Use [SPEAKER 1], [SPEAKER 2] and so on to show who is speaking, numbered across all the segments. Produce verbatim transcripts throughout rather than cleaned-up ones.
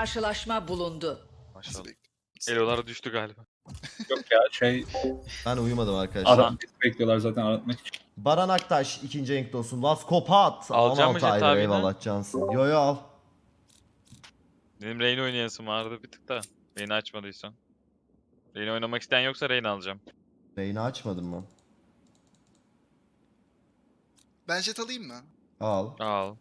[SPEAKER 1] karşılaşma bulundu.
[SPEAKER 2] Maşallah.
[SPEAKER 3] Nasıl
[SPEAKER 2] Elolar düştü galiba.
[SPEAKER 3] Yok ya şey
[SPEAKER 4] Ben uyumadım arkadaşlar.
[SPEAKER 3] adam bekliyorlar zaten aratmak için.
[SPEAKER 4] Baran Aktaş ikinci renkli olsun. Vas Kopat.
[SPEAKER 2] Alacağım mı
[SPEAKER 4] on altı aydır
[SPEAKER 2] Jet abini?
[SPEAKER 4] eyvallah cansın. Yo yo al.
[SPEAKER 2] Benim Reyna oynayasım vardı bir tık da. Reyna açmadıysan. Reyna oynamak isteyen yoksa Reyna alacağım.
[SPEAKER 4] Reyna açmadın mı?
[SPEAKER 5] Ben jet alayım mı?
[SPEAKER 4] Al.
[SPEAKER 2] Al.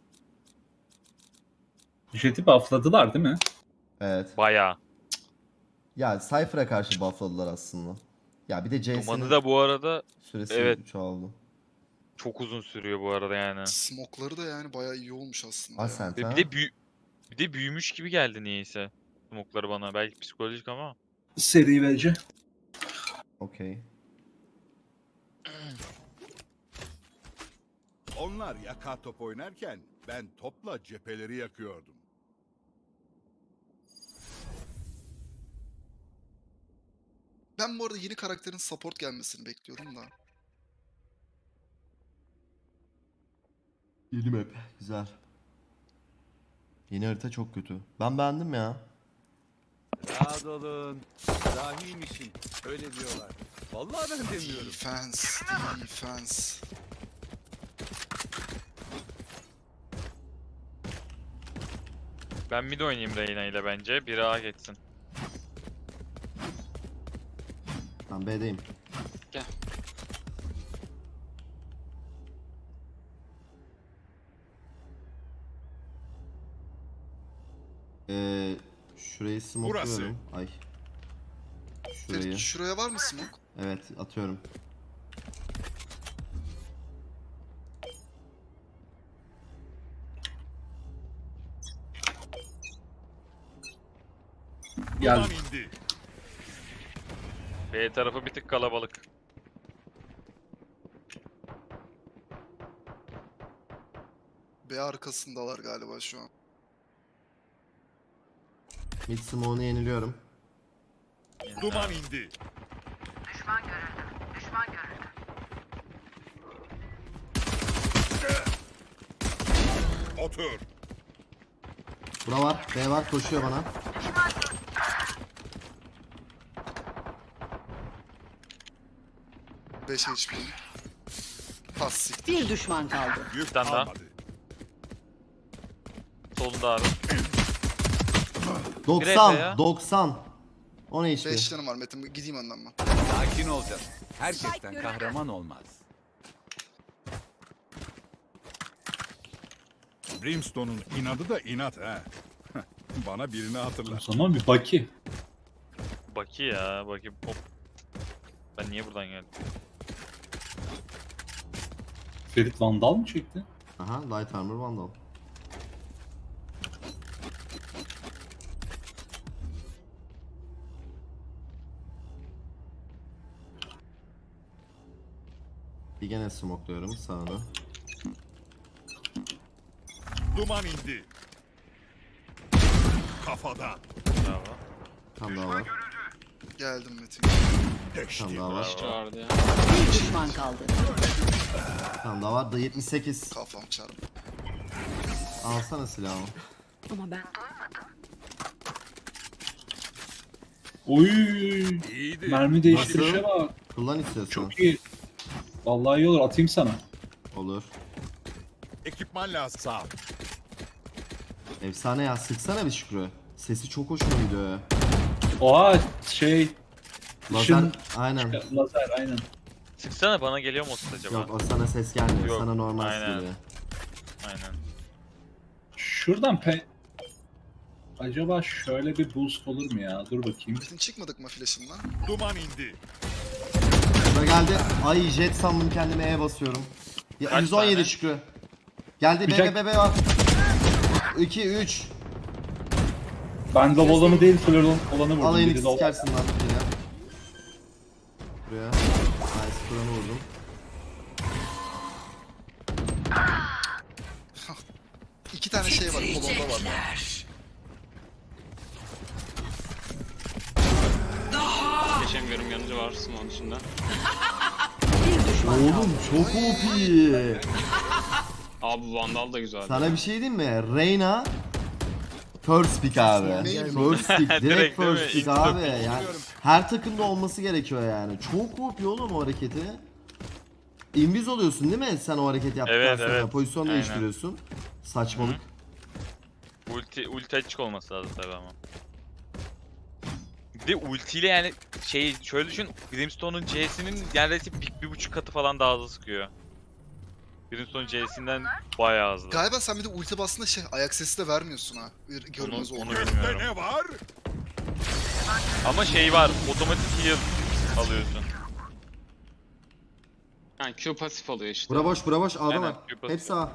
[SPEAKER 3] Jet'i buffladılar değil mi?
[SPEAKER 4] Evet.
[SPEAKER 2] Bayağı.
[SPEAKER 4] Ya Cypher'a karşı buffladılar aslında. Ya bir de
[SPEAKER 2] Dumanı
[SPEAKER 4] Jason'ın
[SPEAKER 2] da bu arada
[SPEAKER 4] süresi
[SPEAKER 2] evet.
[SPEAKER 4] çoğaldı.
[SPEAKER 2] çok uzun sürüyor bu arada yani.
[SPEAKER 5] Smoke'ları da yani bayağı iyi olmuş aslında. ya.
[SPEAKER 4] Ascent
[SPEAKER 2] Ve
[SPEAKER 4] ha?
[SPEAKER 2] bir de büyü bir de büyümüş gibi geldi niyeyse. Smokları bana. Belki psikolojik ama.
[SPEAKER 3] Seri V C.
[SPEAKER 4] Okey.
[SPEAKER 6] Onlar yaka top oynarken ben topla cepheleri yakıyordum.
[SPEAKER 5] Ben bu arada yeni karakterin support gelmesini bekliyorum da.
[SPEAKER 4] Yeni map. Güzel. Yeni harita çok kötü. Ben beğendim ya.
[SPEAKER 6] Rahat olun. Dahiymişim. Öyle diyorlar. Vallahi ben demiyorum.
[SPEAKER 5] Defense, defense.
[SPEAKER 2] Ben mid oynayayım Reyna ile bence. Biri A geçsin.
[SPEAKER 4] Ben B'deyim.
[SPEAKER 2] Gel.
[SPEAKER 4] Ee, şurayı smokluyorum. Ay. Şurayı.
[SPEAKER 5] Ferit, şuraya var mı smoke?
[SPEAKER 4] Evet atıyorum.
[SPEAKER 3] Gel.
[SPEAKER 6] Duman indi.
[SPEAKER 2] B tarafı bir tık kalabalık.
[SPEAKER 5] B arkasındalar galiba şu an.
[SPEAKER 4] Mid smoke'unu yeniliyorum.
[SPEAKER 6] Duman indi. Otur.
[SPEAKER 4] Bura var. B var. Koşuyor bana.
[SPEAKER 5] beş H P. Pas siktir.
[SPEAKER 1] Bir düşman kaldı.
[SPEAKER 6] Yük
[SPEAKER 2] tane daha.
[SPEAKER 6] kalmadı.
[SPEAKER 2] Solunda abi. Greta
[SPEAKER 4] doksan.
[SPEAKER 2] ya.
[SPEAKER 4] doksan. on H P.
[SPEAKER 5] beş canım var Metin. Gideyim önden ben.
[SPEAKER 6] Sakin olacaksın. Herkesten kahraman olmaz. Brimstone'un inadı da inat ha. Bana birini
[SPEAKER 3] O
[SPEAKER 6] hatırlat.
[SPEAKER 3] zaman bir Baki.
[SPEAKER 2] Baki ya. Baki hop. Ben niye buradan geldim?
[SPEAKER 3] Ferit Vandal mı çekti?
[SPEAKER 4] Aha. Light Armor Vandal. Bir gene smokluyorum sağını.
[SPEAKER 6] Duman indi. Kafadan.
[SPEAKER 2] Bravo.
[SPEAKER 4] Tam daha var.
[SPEAKER 5] Geldim Metin.
[SPEAKER 4] Tam daha var.
[SPEAKER 2] Bravo.
[SPEAKER 1] Bir düşman kaldı.
[SPEAKER 4] Tam daha var. Da yetmiş sekiz.
[SPEAKER 5] Kafam çarptı.
[SPEAKER 4] Alsana silahı.
[SPEAKER 1] Ama ben
[SPEAKER 3] Oy.
[SPEAKER 6] İyiydi.
[SPEAKER 3] Mermi değiştirişe
[SPEAKER 4] Nasıl?
[SPEAKER 3] bak.
[SPEAKER 4] Kullan istiyorsan.
[SPEAKER 3] Çok iyi. Vallahi iyi olur. Atayım sana.
[SPEAKER 4] Olur.
[SPEAKER 6] Ekipman lazım. Sağ ol.
[SPEAKER 4] Efsane ya. Sıksana bir Şükrü. Sesi çok hoşuma gidiyor ya.
[SPEAKER 3] Oha şey.
[SPEAKER 4] Lazer.
[SPEAKER 3] Işın.
[SPEAKER 4] Aynen.
[SPEAKER 3] Lazer aynen.
[SPEAKER 2] Sıksana bana geliyor mu o ses acaba?
[SPEAKER 4] Yok o sana ses gelmiyor.
[SPEAKER 2] Yok,
[SPEAKER 4] Sana normal
[SPEAKER 2] aynen.
[SPEAKER 4] geliyor.
[SPEAKER 2] Aynen.
[SPEAKER 3] Şuradan pe... Acaba şöyle bir boost olur mu ya? Dur bakayım.
[SPEAKER 5] Metin çıkmadık mı flash'ından?
[SPEAKER 6] Duman indi.
[SPEAKER 4] Şuraya geldi. Ay jet sandım kendime E basıyorum. Ya,
[SPEAKER 2] Kaç
[SPEAKER 4] yüz on yedi
[SPEAKER 2] tane?
[SPEAKER 4] Şükrü. Geldi
[SPEAKER 3] Bir
[SPEAKER 4] B
[SPEAKER 3] tek-
[SPEAKER 4] B B var. iki üç.
[SPEAKER 3] Ben lob olanı değil full olanı vurdum.
[SPEAKER 4] Alayını
[SPEAKER 3] Biri lob-
[SPEAKER 4] sikersin lan yine. Buraya. Nice Kur'an'ı vurdum.
[SPEAKER 5] İki tane şey var. Kolonda var.
[SPEAKER 7] Geçemiyorum yanıcı var Simon dışında.
[SPEAKER 1] bir düşman kaldı.
[SPEAKER 4] Oğlum çok O P.
[SPEAKER 7] Abi Vandal da güzel.
[SPEAKER 4] Sana bir şey diyeyim mi? Reyna First pick abi.
[SPEAKER 5] Neyim?
[SPEAKER 4] First pick. Direkt
[SPEAKER 2] Direkt değil mi?
[SPEAKER 4] first pick
[SPEAKER 2] İlk
[SPEAKER 4] abi.
[SPEAKER 2] dokuz.
[SPEAKER 4] Yani her takımda olması gerekiyor yani. Çok korkuyor oğlum o hareketi. Invis oluyorsun değil mi sen o hareketi yaptıktan
[SPEAKER 2] Evet,
[SPEAKER 4] sonra?
[SPEAKER 2] evet.
[SPEAKER 4] Pozisyon
[SPEAKER 2] Aynen.
[SPEAKER 4] değiştiriyorsun. Saçmalık.
[SPEAKER 2] Ulti, ulti açık olması lazım tabi ama. Bir de ultiyle yani şey şöyle düşün, Brimstone'un C'sinin neredeyse bir, bir buçuk katı falan daha hızlı sıkıyor. Brimstone'un C'sinden bayağı hızlı.
[SPEAKER 5] Galiba sen bir de ulti bastığında şey ayak sesi de vermiyorsun ha. Bir
[SPEAKER 2] Onu,
[SPEAKER 5] görünmez oldu.
[SPEAKER 2] onu
[SPEAKER 6] Gökte
[SPEAKER 2] bilmiyorum.
[SPEAKER 6] ne var?
[SPEAKER 2] Ama şey var, otomatik heal alıyorsun.
[SPEAKER 7] Yani Q pasif oluyor işte.
[SPEAKER 4] Bura boş, bura boş. A'da
[SPEAKER 2] Aynen,
[SPEAKER 4] var.
[SPEAKER 2] Q
[SPEAKER 4] Hepsi A.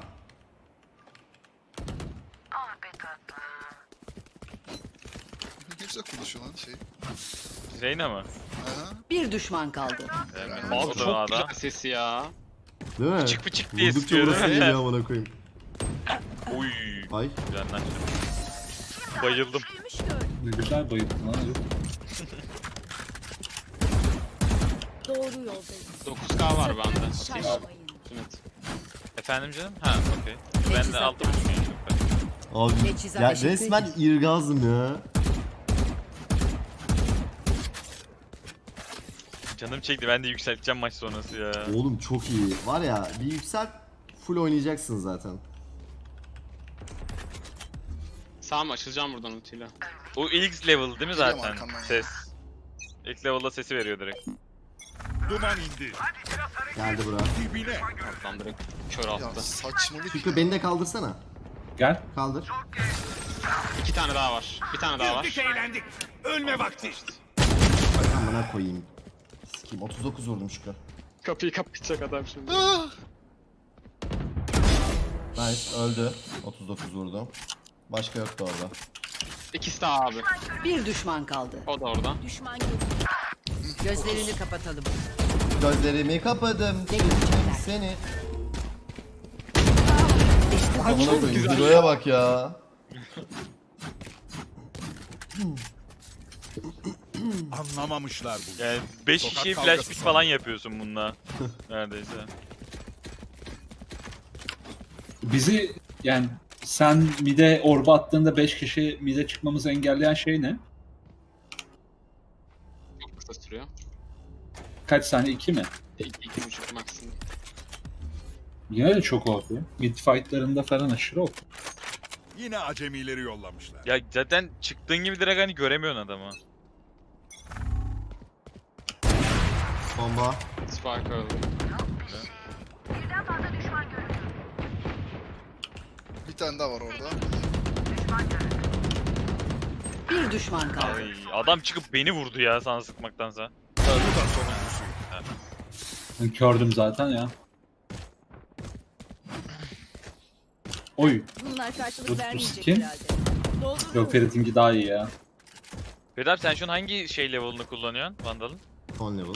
[SPEAKER 5] Ne güzel konuşuyor lan şey.
[SPEAKER 2] Reyna mı?
[SPEAKER 5] Aha.
[SPEAKER 1] Bir düşman kaldı.
[SPEAKER 2] Evet,
[SPEAKER 7] Abi
[SPEAKER 2] o da
[SPEAKER 7] çok
[SPEAKER 2] A'da.
[SPEAKER 7] güzel sesi ya.
[SPEAKER 4] Değil mi?
[SPEAKER 2] Pıçık pıçık diye
[SPEAKER 4] Vurdukça
[SPEAKER 2] sıkıyor
[SPEAKER 4] burası
[SPEAKER 2] değil mi?
[SPEAKER 4] geliyor amına koyayım.
[SPEAKER 2] Uy,
[SPEAKER 4] Ay.
[SPEAKER 2] candan bayıldım.
[SPEAKER 3] Ne güzel bayıldın lan. herif.
[SPEAKER 8] Doğru yoldayım.
[SPEAKER 7] dokuz K var bende. Atayım.
[SPEAKER 8] Şaşmayın.
[SPEAKER 7] Evet.
[SPEAKER 2] Efendim canım? Ha, okey. Ben de altı buçuk çok ben.
[SPEAKER 4] Abi
[SPEAKER 1] Teçhizat
[SPEAKER 4] ya
[SPEAKER 1] teşekkür
[SPEAKER 4] resmen
[SPEAKER 1] ederim.
[SPEAKER 4] irgazım ya.
[SPEAKER 2] Canım çekti, ben de yükselteceğim maç sonrası ya.
[SPEAKER 4] Oğlum çok iyi. Var ya bir yükselt full oynayacaksın zaten.
[SPEAKER 7] Sağ mı açılacağım buradan ultiyle.
[SPEAKER 2] O ilk level değil mi
[SPEAKER 5] Geliyorum
[SPEAKER 2] zaten?
[SPEAKER 5] arkandan ya.
[SPEAKER 2] Ses. İlk level'da sesi veriyor direkt.
[SPEAKER 6] Duman indi.
[SPEAKER 4] Geldi bura.
[SPEAKER 6] Dibine.
[SPEAKER 7] Oradan direkt kör
[SPEAKER 5] Ya
[SPEAKER 7] attı.
[SPEAKER 5] saçmalık
[SPEAKER 4] Şükrü
[SPEAKER 5] ya.
[SPEAKER 4] beni de kaldırsana.
[SPEAKER 3] Gel.
[SPEAKER 4] Kaldır.
[SPEAKER 7] İki tane daha var. Bir tane daha var.
[SPEAKER 6] eğlendik. Ölme vakti.
[SPEAKER 4] Amına koyayım. Sikeyim otuz dokuz vurdum Şükrü.
[SPEAKER 7] Kapıyı kapatacak adam şimdi.
[SPEAKER 5] Ah!
[SPEAKER 4] Nice öldü. otuz dokuz vurdum. Başka yoktu orada.
[SPEAKER 7] İkisi daha abi.
[SPEAKER 1] Bir düşman kaldı.
[SPEAKER 7] O da orada.
[SPEAKER 8] Düşman görüldü.
[SPEAKER 1] Gözlerini kapatalım.
[SPEAKER 4] Gözlerimi kapadım.
[SPEAKER 1] Ne görecekler?
[SPEAKER 4] Seni.
[SPEAKER 1] İşte
[SPEAKER 4] Amına koyayım. Ciro'ya bak ya.
[SPEAKER 6] Anlamamışlar bu.
[SPEAKER 2] Yani beş
[SPEAKER 6] Sokak
[SPEAKER 2] kişiye
[SPEAKER 6] kavgası
[SPEAKER 2] flash pick
[SPEAKER 6] sanırım.
[SPEAKER 2] falan yapıyorsun bununla. Neredeyse.
[SPEAKER 3] Bizi yani sen mide orba attığında beş kişi mide çıkmamızı engelleyen şey ne?
[SPEAKER 7] Çok kısa sürüyor.
[SPEAKER 3] Kaç saniye? iki mi?
[SPEAKER 7] İki, iki buçuk maksimum.
[SPEAKER 3] Yine de çok O P. Mid fightlarında falan aşırı O P.
[SPEAKER 6] Yine acemileri yollamışlar.
[SPEAKER 2] Ya zaten çıktığın gibi direkt hani göremiyorsun adamı.
[SPEAKER 4] Bomba.
[SPEAKER 7] Spike öldü.
[SPEAKER 5] Bir tane daha var orada.
[SPEAKER 1] bir düşman kaldı.
[SPEAKER 2] Ay, adam çıkıp beni vurdu ya sana sıkmaktansa.
[SPEAKER 6] Bu da sonuncusu.
[SPEAKER 3] Ben kördüm zaten ya. Oy.
[SPEAKER 8] Bunlar
[SPEAKER 3] Bu-
[SPEAKER 8] karşılık
[SPEAKER 3] bu
[SPEAKER 8] vermeyecek
[SPEAKER 3] kim?
[SPEAKER 8] herhalde. Dolduruyorum.
[SPEAKER 3] Yok Ferit'inki daha iyi ya.
[SPEAKER 2] Ferit abi sen şu an hangi şey level'ını kullanıyorsun Vandal'ın?
[SPEAKER 4] On level.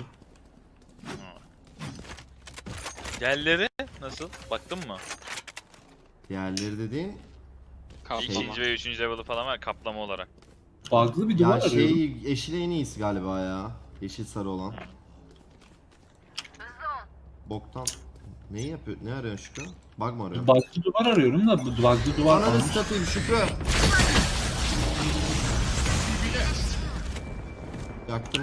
[SPEAKER 2] Diğerleri nasıl? Baktın mı?
[SPEAKER 4] Diğerleri dediğin
[SPEAKER 7] Kaplama.
[SPEAKER 2] İkinci ve üçüncü level'ı falan var kaplama olarak.
[SPEAKER 3] Bug'lı bir duvar
[SPEAKER 4] ya
[SPEAKER 3] arıyorum.
[SPEAKER 4] şey yeşil en iyisi galiba ya. Yeşil sarı olan. Boktan. Neyi yapıyor? Ne arıyorsun Şükrü? Bug mı arıyorsun?
[SPEAKER 3] Bug'lı duvar arıyorum da bu bug'lı duvar
[SPEAKER 4] Ananı
[SPEAKER 3] almış.
[SPEAKER 4] satayım Şükrü. Yaktım.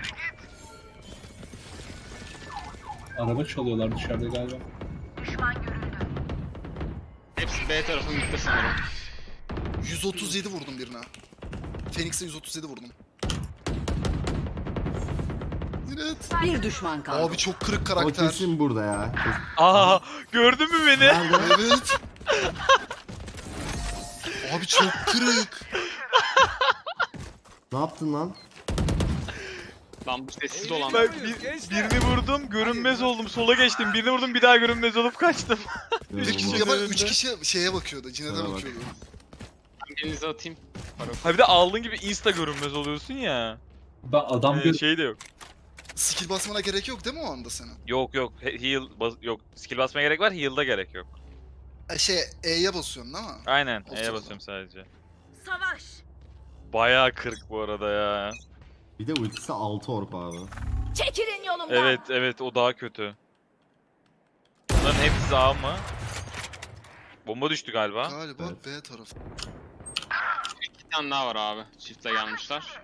[SPEAKER 3] Araba çalıyorlar dışarıda galiba.
[SPEAKER 7] Hepsi B tarafı gitti sanırım.
[SPEAKER 5] yüz otuz yedi vurdum birine. Phoenix'e yüz otuz yedi vurdum. Evet.
[SPEAKER 1] Bir düşman kaldı.
[SPEAKER 5] Abi çok kırık
[SPEAKER 4] O
[SPEAKER 5] karakter.
[SPEAKER 4] kesin burada ya.
[SPEAKER 2] Aa, gördün mü beni?
[SPEAKER 4] Nerede?
[SPEAKER 5] Evet. Abi çok kırık.
[SPEAKER 4] Ne yaptın lan?
[SPEAKER 7] Lan bu sessiz olan.
[SPEAKER 2] Ben bir, birini vurdum, görünmez oldum, sola geçtim. Birini vurdum, bir daha görünmez olup kaçtım.
[SPEAKER 5] Üç kişi,
[SPEAKER 4] İnanılmaz.
[SPEAKER 5] ya bak, üç kişi şeye bakıyordu. Cinet'e
[SPEAKER 4] Şuna bak.
[SPEAKER 5] bakıyordu.
[SPEAKER 7] Ben birinize atayım. Para.
[SPEAKER 2] Ha bir de aldığın gibi insta görünmez oluyorsun ya.
[SPEAKER 3] Ben adam
[SPEAKER 2] Ee,
[SPEAKER 3] bir
[SPEAKER 2] şey de yok.
[SPEAKER 5] Skill basmana gerek yok değil mi o anda senin?
[SPEAKER 2] Yok yok, he- heal bas yok. Skill basmaya gerek var, heal'da gerek yok.
[SPEAKER 5] E, şey E'ye basıyorsun değil mi?
[SPEAKER 2] Aynen,
[SPEAKER 5] Olsun o
[SPEAKER 2] E'ye
[SPEAKER 5] zaman.
[SPEAKER 2] basıyorum sadece.
[SPEAKER 8] Savaş.
[SPEAKER 2] Bayağı kırık bu arada ya.
[SPEAKER 4] Bir de ultisi altı orp abi.
[SPEAKER 8] Çekilin yolumdan.
[SPEAKER 2] Evet evet, o daha kötü. Bunların hepsi A mı? Bomba düştü galiba.
[SPEAKER 5] Galiba
[SPEAKER 4] Evet.
[SPEAKER 5] B tarafı.
[SPEAKER 7] tane daha var abi. Çiftle gelmişler.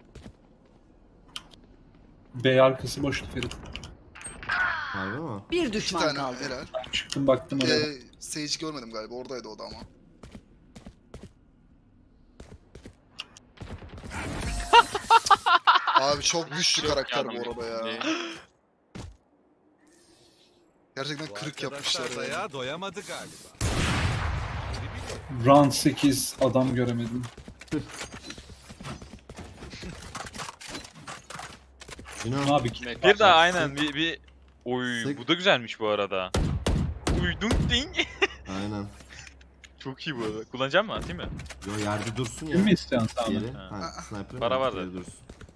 [SPEAKER 3] B arkası boştu Ferit.
[SPEAKER 4] Harbi mi?
[SPEAKER 1] Bir
[SPEAKER 5] İki
[SPEAKER 1] düşman
[SPEAKER 5] tane
[SPEAKER 1] kaldı.
[SPEAKER 5] helal.
[SPEAKER 3] Çıktım baktım oraya.
[SPEAKER 5] Ee, Sage'i görmedim galiba. Oradaydı o da ama. Abi çok güçlü
[SPEAKER 7] Yok
[SPEAKER 5] karakter
[SPEAKER 7] yardım
[SPEAKER 5] bu arada ya.
[SPEAKER 7] diye.
[SPEAKER 5] Gerçekten
[SPEAKER 6] Bu
[SPEAKER 5] kırık
[SPEAKER 6] arkadaşlar
[SPEAKER 5] yapmışlar ya.
[SPEAKER 6] dayağa doyamadı galiba.
[SPEAKER 3] Round sekiz adam göremedim.
[SPEAKER 4] Yine
[SPEAKER 3] Abi
[SPEAKER 7] Mek-
[SPEAKER 2] Bir daha aynen bir, bir... Oy
[SPEAKER 4] Sık.
[SPEAKER 2] bu da güzelmiş bu arada. Uy dunk ding.
[SPEAKER 4] aynen.
[SPEAKER 2] Çok iyi bu arada. Kullanacak mısın? Atayım mı?
[SPEAKER 4] Yo yerde dursun ya.
[SPEAKER 3] Kim mi istiyorsun sen
[SPEAKER 4] Yeri.
[SPEAKER 3] onu?
[SPEAKER 4] Ha, sniper.
[SPEAKER 2] Para
[SPEAKER 4] mi?
[SPEAKER 2] var da.
[SPEAKER 4] Yerde dursun.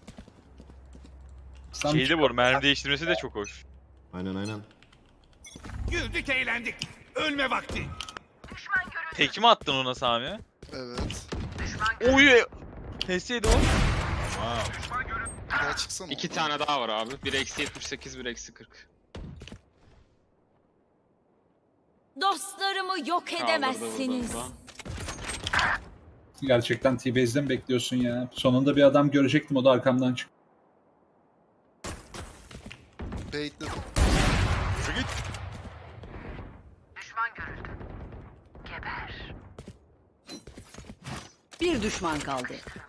[SPEAKER 3] Sen
[SPEAKER 2] Şeyde bu arada mermi değiştirmesi de çok hoş.
[SPEAKER 4] Aynen aynen.
[SPEAKER 6] Güldük eğlendik. Ölme vakti.
[SPEAKER 2] Tek mi attın ona Sami?
[SPEAKER 5] Evet.
[SPEAKER 2] Oy! Keseydi o.
[SPEAKER 5] Bir daha çıksana.
[SPEAKER 7] İki
[SPEAKER 5] oradan.
[SPEAKER 7] tane daha var abi. Bir eksi yetmiş sekiz, bir eksi kırk.
[SPEAKER 8] Dostlarımı yok
[SPEAKER 7] Kaldırdı
[SPEAKER 8] edemezsiniz.
[SPEAKER 7] burada.
[SPEAKER 3] gerçekten T-Base'de mi bekliyorsun ya? Sonunda bir adam görecektim, o da arkamdan çıktı.
[SPEAKER 5] Baitledim.
[SPEAKER 1] Bir düşman kaldı.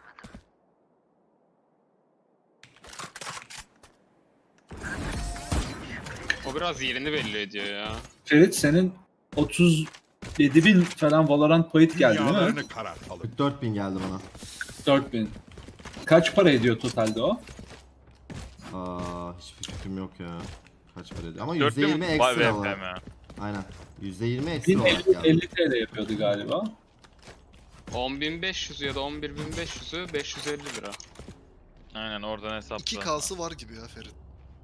[SPEAKER 7] O biraz yerini belli ediyor ya.
[SPEAKER 3] Ferit senin otuz yedi bin falan Valorant point geldi değil mi?
[SPEAKER 6] Dünyalarını karartalım.
[SPEAKER 4] kırk dört bin geldi bana.
[SPEAKER 3] dört bin. Kaç para ediyor totalde o?
[SPEAKER 4] Aa, hiçbir fikrim yok ya. Kaç para ediyor? Ama
[SPEAKER 2] dört
[SPEAKER 4] yüzde yirmi
[SPEAKER 2] bin vay
[SPEAKER 4] ekstra
[SPEAKER 2] V P
[SPEAKER 4] olarak.
[SPEAKER 2] mi?
[SPEAKER 4] Aynen. yüzde yirmi ekstra olarak
[SPEAKER 3] elli,
[SPEAKER 4] geldi.
[SPEAKER 3] elli T L yapıyordu galiba.
[SPEAKER 7] on bin beş yüz ya da on bir bin beş yüzü beş yüz elli lira.
[SPEAKER 2] Aynen oradan hesapla.
[SPEAKER 5] İki K'sı var gibi ya Ferit.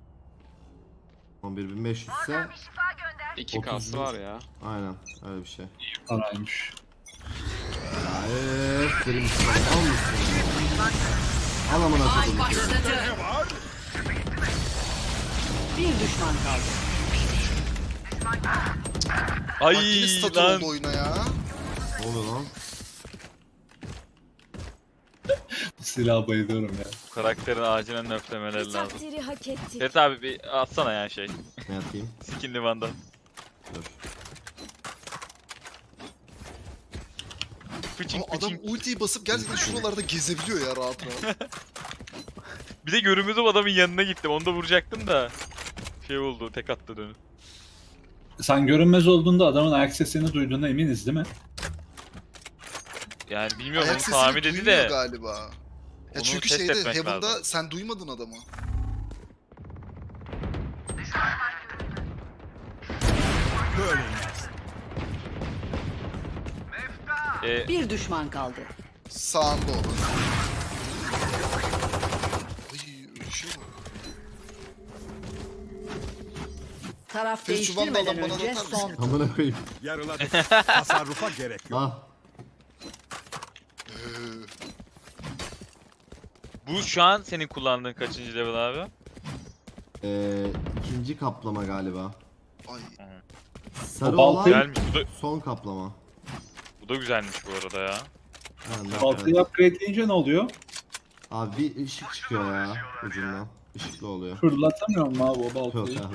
[SPEAKER 4] on bir bin beş yüz ise
[SPEAKER 7] iki
[SPEAKER 4] otuz
[SPEAKER 7] kası
[SPEAKER 4] bin.
[SPEAKER 7] var ya.
[SPEAKER 4] aynen öyle bir şey.
[SPEAKER 3] Paraymış.
[SPEAKER 4] Hayır, benim için al mısın? Al amına koydum.
[SPEAKER 1] Başladı. Bir düşman kaldı.
[SPEAKER 2] Ay
[SPEAKER 5] Bak yine statü
[SPEAKER 2] lan.
[SPEAKER 5] oldu oyuna ya.
[SPEAKER 4] Ne oluyor lan?
[SPEAKER 3] Bu silaha bayılıyorum ya.
[SPEAKER 2] Bu karakterin acilen nöflemeleri
[SPEAKER 8] Bir
[SPEAKER 2] lazım.
[SPEAKER 8] takdiri hak ettik.
[SPEAKER 2] Ferit abi bir atsana ya şey.
[SPEAKER 4] Ne yapayım?
[SPEAKER 2] Skin Livan'dan.
[SPEAKER 4] Dur.
[SPEAKER 2] Fıçın
[SPEAKER 5] Ama adam
[SPEAKER 2] fıçın.
[SPEAKER 5] ultiyi basıp gerçekten şuralarda gezebiliyor ya rahat rahat.
[SPEAKER 2] Bir de görünmezim adamın yanına gittim. Onu da vuracaktım da. Şey oldu tek attı dönüp.
[SPEAKER 3] Sen görünmez olduğunda adamın ayak sesini duyduğuna eminiz değil mi?
[SPEAKER 2] Yani bilmiyorum
[SPEAKER 5] Ayak
[SPEAKER 2] onu
[SPEAKER 5] sesini
[SPEAKER 2] Sami dedi
[SPEAKER 5] duymuyor
[SPEAKER 2] de.
[SPEAKER 5] galiba. Ya
[SPEAKER 2] Onu
[SPEAKER 5] çünkü
[SPEAKER 2] test
[SPEAKER 5] şeyde
[SPEAKER 2] etmek
[SPEAKER 5] Heaven'da
[SPEAKER 2] lazım.
[SPEAKER 5] sen duymadın adamı.
[SPEAKER 6] Böyle
[SPEAKER 2] E,
[SPEAKER 1] Bir düşman kaldı.
[SPEAKER 5] Sağında o da. Ay öyle şey var.
[SPEAKER 1] Taraf
[SPEAKER 5] Ferit, şu Vandal'dan
[SPEAKER 1] değiştirmeden
[SPEAKER 5] bana da
[SPEAKER 1] önce
[SPEAKER 5] atar mısın?
[SPEAKER 1] son.
[SPEAKER 4] Amına koyayım.
[SPEAKER 6] yarıladık. Tasarrufa gerek yok.
[SPEAKER 4] Ah.
[SPEAKER 5] Ee,
[SPEAKER 2] bu şu an senin kullandığın kaçıncı level abi?
[SPEAKER 4] Ee, ikinci kaplama galiba.
[SPEAKER 5] ay.
[SPEAKER 4] Sarı
[SPEAKER 3] O baltayı-
[SPEAKER 4] olan
[SPEAKER 2] Güzelmiş. Bu da,
[SPEAKER 4] son kaplama.
[SPEAKER 2] bu da güzelmiş bu arada ya.
[SPEAKER 4] Ha, ne
[SPEAKER 3] Baltayı
[SPEAKER 4] yapayım?
[SPEAKER 3] upgradeleyince ne oluyor?
[SPEAKER 4] Abi bir ışık çıkıyor ya ucundan. Işıklı oluyor.
[SPEAKER 3] Fırlatamıyor mu abi o
[SPEAKER 4] Yok
[SPEAKER 3] baltayı?
[SPEAKER 4] abi.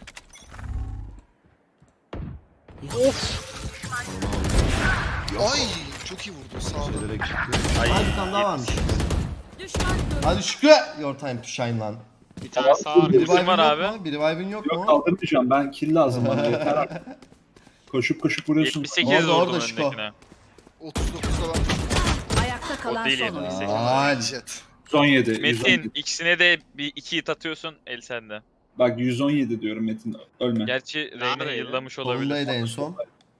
[SPEAKER 5] Ay çok iyi vurdu sağda.
[SPEAKER 4] Şeylere gitti.
[SPEAKER 2] Ay,
[SPEAKER 4] Hadi bir tane daha varmış.
[SPEAKER 8] Düşman görüldü.
[SPEAKER 4] Hadi Şükrü. Your time to shine lan.
[SPEAKER 7] Bir tane sağ var.
[SPEAKER 4] Bir
[SPEAKER 2] Bizim
[SPEAKER 4] revive'in
[SPEAKER 2] var
[SPEAKER 4] yok
[SPEAKER 2] abi.
[SPEAKER 4] mu? Bir revive'in yok
[SPEAKER 3] Yok
[SPEAKER 4] mu?
[SPEAKER 3] kaldırmayacağım, ben kill lazım bana yeter artık. Koşup koşup vuruyorsun.
[SPEAKER 2] yetmiş sekiz
[SPEAKER 4] Orada,
[SPEAKER 2] vurdum
[SPEAKER 4] orada Şiko.
[SPEAKER 2] öndekine.
[SPEAKER 5] otuz dokuzda ben
[SPEAKER 1] Ayakta kalan
[SPEAKER 2] değil
[SPEAKER 1] son
[SPEAKER 2] yani.
[SPEAKER 1] oyuncu.
[SPEAKER 2] sekiz.
[SPEAKER 4] Ay.
[SPEAKER 5] jet.
[SPEAKER 3] yüz on yedi. yüz on
[SPEAKER 2] Metin
[SPEAKER 3] yedi.
[SPEAKER 2] ikisine de bir iki hit atıyorsun el sende.
[SPEAKER 3] Bak yüz on yedi diyorum Metin, ölme.
[SPEAKER 2] Gerçi Reyna
[SPEAKER 7] Neredeydi?
[SPEAKER 2] yıllamış olabilir.
[SPEAKER 4] Solundaydı en son.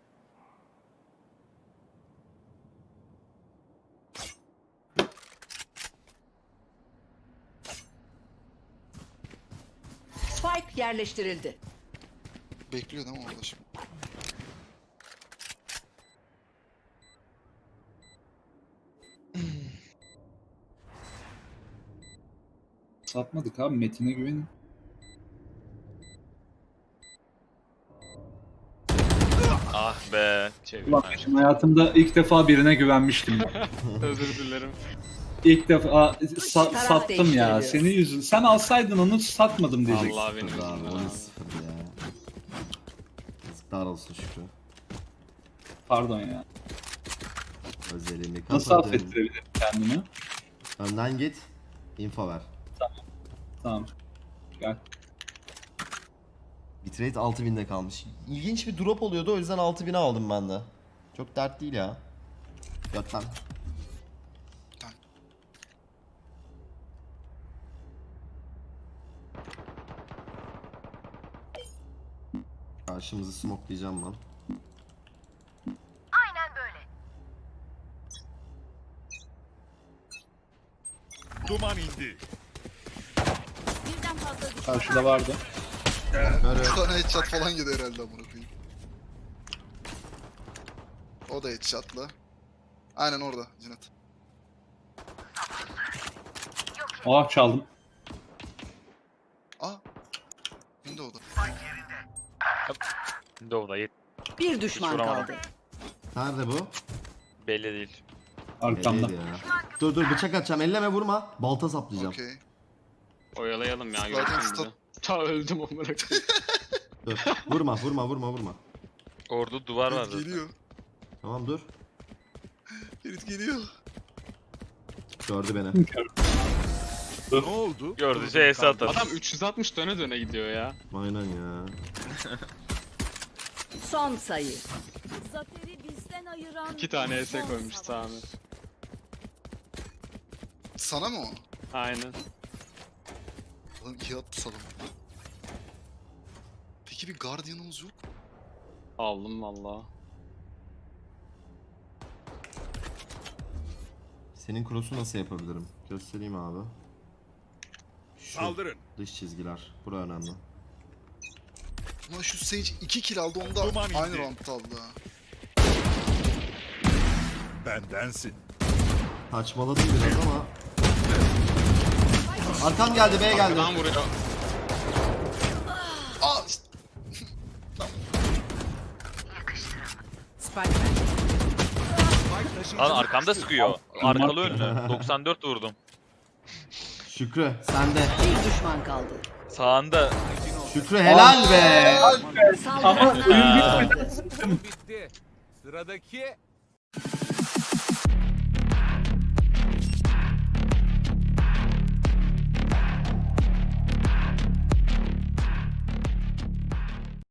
[SPEAKER 1] Spike yerleştirildi.
[SPEAKER 5] Bekliyor değil mi orada şimdi?
[SPEAKER 3] Satmadık abi, Metin'e güvenin.
[SPEAKER 2] Ah be.
[SPEAKER 7] Çevir.
[SPEAKER 3] Ulan ben hayatımda ilk defa birine güvenmiştim.
[SPEAKER 7] Özür dilerim.
[SPEAKER 3] İlk defa sa-
[SPEAKER 1] Taraf
[SPEAKER 3] sattım ya.
[SPEAKER 1] değiştiriliyor.
[SPEAKER 3] Senin yüzün. Sen alsaydın onu satmadım diyeceksin.
[SPEAKER 7] Allah benim
[SPEAKER 4] Abi
[SPEAKER 7] yüzümden
[SPEAKER 4] on
[SPEAKER 7] abi.
[SPEAKER 4] üç sıfır ya. Yazıklar olsun Şükrü.
[SPEAKER 3] Pardon ya.
[SPEAKER 4] Özelliğimi
[SPEAKER 3] Nasıl
[SPEAKER 4] kapadım.
[SPEAKER 3] affettirebilirim kendimi?
[SPEAKER 4] Önden git. Info ver.
[SPEAKER 3] Tamam. Gel.
[SPEAKER 4] Bitrate altı binde kalmış. İlginç bir drop oluyordu, o yüzden altı bine aldım ben de. Çok dert değil ya. Götten. Karşımızı smokelayacağım ben.
[SPEAKER 6] Duman indi.
[SPEAKER 8] Birden fazla düşman.
[SPEAKER 3] Karşıda vardı.
[SPEAKER 4] Böyle
[SPEAKER 5] Bir tane headshot falan yedi herhalde amına koyayım. O da headshot'la. Aynen orada Cinet.
[SPEAKER 3] Ah çaldım.
[SPEAKER 5] Aa. Window'da.
[SPEAKER 2] Windows'da yet
[SPEAKER 1] Bir düşman
[SPEAKER 2] vuramadım.
[SPEAKER 1] kaldı.
[SPEAKER 4] nerede bu?
[SPEAKER 2] belli değil.
[SPEAKER 3] Arkamda.
[SPEAKER 4] Belliydi ya. Dur dur bıçak atacağım. Elleme vurma. Balta saplayacağım.
[SPEAKER 5] Okey.
[SPEAKER 7] Oyalayalım ya,
[SPEAKER 5] Zaten
[SPEAKER 7] görsün bizi.
[SPEAKER 5] stop.
[SPEAKER 7] Ta öldüm amına koyayım.
[SPEAKER 4] Dur. Vurma vurma vurma vurma.
[SPEAKER 2] Orada duvar var
[SPEAKER 5] Ferit
[SPEAKER 2] zaten.
[SPEAKER 5] geliyor.
[SPEAKER 4] Tamam dur.
[SPEAKER 5] Ferit geliyor.
[SPEAKER 4] Gördü beni.
[SPEAKER 6] Ne oldu?
[SPEAKER 2] Gördü şey S atar.
[SPEAKER 7] Adam üç yüz altmış döne döne gidiyor ya.
[SPEAKER 4] Aynen ya.
[SPEAKER 1] Son sayı.
[SPEAKER 8] Zaferi bizden ayıran
[SPEAKER 7] İki tane S
[SPEAKER 8] son
[SPEAKER 7] koymuş
[SPEAKER 8] savaş.
[SPEAKER 7] Sami.
[SPEAKER 5] Sana mı o?
[SPEAKER 7] Aynen.
[SPEAKER 5] Lan iyi attı sana. Peki bir Guardian'ımız yok mu?
[SPEAKER 7] Aldım valla.
[SPEAKER 4] Senin cross'u nasıl yapabilirim? Göstereyim abi. Şu
[SPEAKER 6] Saldırın.
[SPEAKER 4] dış çizgiler. Bura önemli.
[SPEAKER 5] Ulan şu Sage iki kill aldı, onu da
[SPEAKER 6] Duman
[SPEAKER 5] aynı
[SPEAKER 6] indi.
[SPEAKER 5] roundda aldı ha.
[SPEAKER 6] Bendensin.
[SPEAKER 4] Saçmaladım biraz ama. Arkam geldi, B geldi.
[SPEAKER 7] Arkadan vuruyor.
[SPEAKER 5] Aa işte.
[SPEAKER 1] Spike bende.
[SPEAKER 2] Lan arkamda sıkıyor. Arkalı önlü. doksan dört vurdum.
[SPEAKER 4] Şükrü sende.
[SPEAKER 1] Bir düşman kaldı.
[SPEAKER 2] Sağında.
[SPEAKER 4] Şükrü helal be.
[SPEAKER 1] Saldıranlar
[SPEAKER 3] oyun
[SPEAKER 1] kazandı.
[SPEAKER 6] Bitti. Sıradaki